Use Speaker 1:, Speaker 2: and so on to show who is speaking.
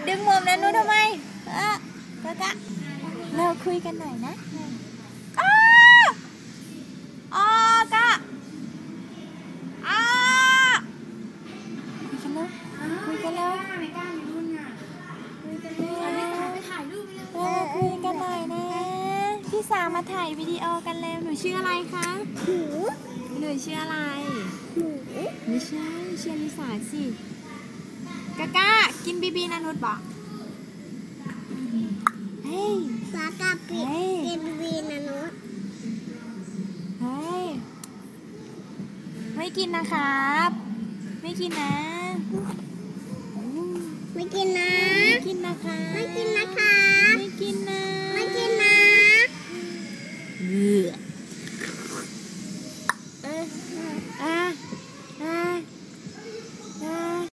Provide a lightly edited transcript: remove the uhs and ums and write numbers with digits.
Speaker 1: ดึงมุมนั้นนู้นทำไมกะเราคุยกันหน่อยนะกะคุยกันแล้วคุยกันหน่อยนะพี่สาวมาถ่ายวิดีโอกันแล้วหนูชื่ออะไรคะหนูชื่ออะไรไม่ใช่ชื่อลิสาสิกะกินบีนะนุชบอกเฮ้ยกะกินบีนะนุชเฮ้ยไม่กินนะครับไม่กินนะไม่กินนะไม่กินนะคะไม่กิน